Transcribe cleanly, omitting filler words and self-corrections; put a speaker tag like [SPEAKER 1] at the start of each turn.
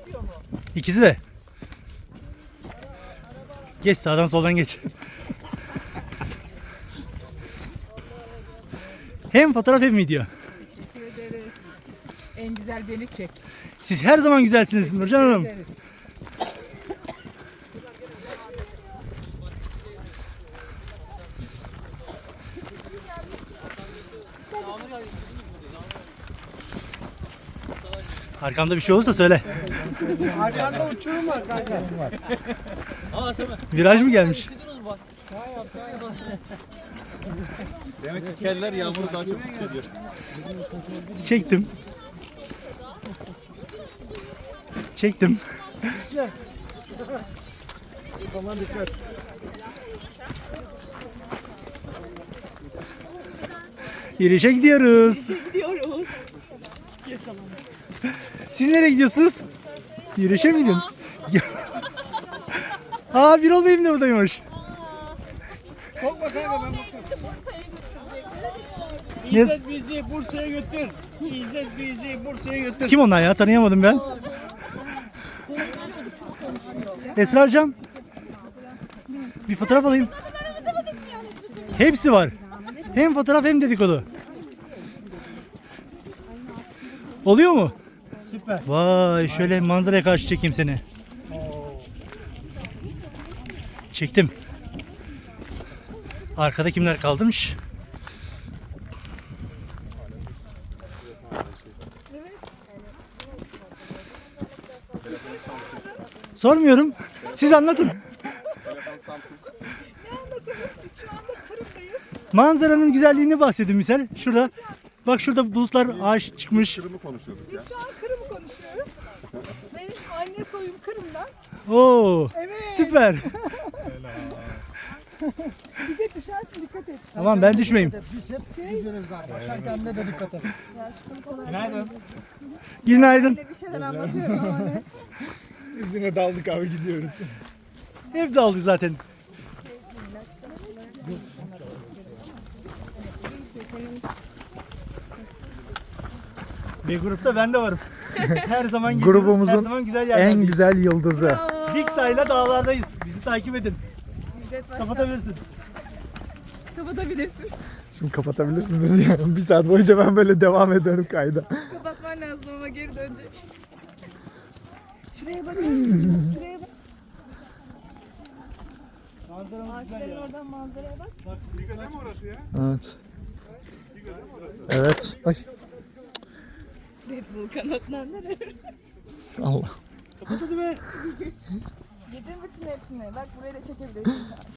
[SPEAKER 1] İkisi de. Geç sağdan soldan geç. Hem fotoğraf hem video.
[SPEAKER 2] Teşekkür ederiz. En güzel beni çek.
[SPEAKER 1] Siz her zaman güzelsiniz Nurcan Hanım.
[SPEAKER 2] Ederiz.
[SPEAKER 1] Arkamda bir şey olursa söyle.
[SPEAKER 3] Arkanda uçurum var kanka.
[SPEAKER 1] Viraj mı gelmiş?
[SPEAKER 4] Demek ki keller yağmuru daha çok hissediyor.
[SPEAKER 1] Çektim. Çektim.
[SPEAKER 3] Aman dikkat.
[SPEAKER 1] Yürüyüşe gidiyoruz.
[SPEAKER 2] Gidiyoruz.
[SPEAKER 1] Siz nereye gidiyorsunuz? Yürüyüşe mi gidiyorsunuz? Aa bir olayım da buradaymış.
[SPEAKER 3] Korkma kanka ben bakarım.
[SPEAKER 1] Ne-
[SPEAKER 3] İzzet bizi Bursa'ya götür. İzzet bizi Bursa'ya götür.
[SPEAKER 1] Kim onlar ya? Tanıyamadım ben. Esra hocam. Bir fotoğraf alayım. Hepsi var. Hem fotoğraf hem dedikodu. Oluyor mu?
[SPEAKER 3] Süper.
[SPEAKER 1] Vay şöyle manzaraya karşı çekeyim seni. Çektim. Arkada kimler kalmış? Sormuyorum. Siz anlatın.
[SPEAKER 2] Biz şu anda Kırım'dayız.
[SPEAKER 1] Manzaranın güzelliğini bahsedin misal. Şurada. Bak şurada bulutlar ağaç çıkmış.
[SPEAKER 2] Biz şu an Kırım'ı konuşuyoruz. Benim anne soyum Kırım'dan.
[SPEAKER 1] Oo.
[SPEAKER 2] Evet.
[SPEAKER 1] Süper.
[SPEAKER 2] Bize düşersin dikkat et.
[SPEAKER 1] Tamam ben düşmeyeyim.
[SPEAKER 3] Biz hep yüzüyoruz zaten. Sen kendine de dikkat et. Günaydın.
[SPEAKER 1] Günaydın.
[SPEAKER 2] Bir şeyler anlatıyorum ama ne?
[SPEAKER 3] İzine daldık abi gidiyoruz.
[SPEAKER 1] Hep dağıldı zaten. Bir grupta ben de varım. Her zaman geziyoruz,
[SPEAKER 5] Grubumuzun
[SPEAKER 1] her zaman güzel yerlerdeyiz.
[SPEAKER 5] En güzel yıldızı.
[SPEAKER 1] Big Day'la dağlardayız. Bizi takip edin.
[SPEAKER 2] İzzet başka.
[SPEAKER 1] Kapatabilirsin.
[SPEAKER 2] Kapatabilirsin.
[SPEAKER 5] Şimdi kapatabilirsin beni yani. Bir saat boyunca ben böyle devam ederim kayda.
[SPEAKER 2] Kapatman lazım ama geri dönecek. Şuraya bakar mısın? Şuraya bak. Ağaçların oradan manzaraya bak.
[SPEAKER 5] Evet. Evet. Ay.
[SPEAKER 2] Red Bull kanatlanlar.
[SPEAKER 5] Allah.
[SPEAKER 1] Kapat hadi be.
[SPEAKER 2] Yedin bütün hepsini. Bak burayı da çekebilirsin.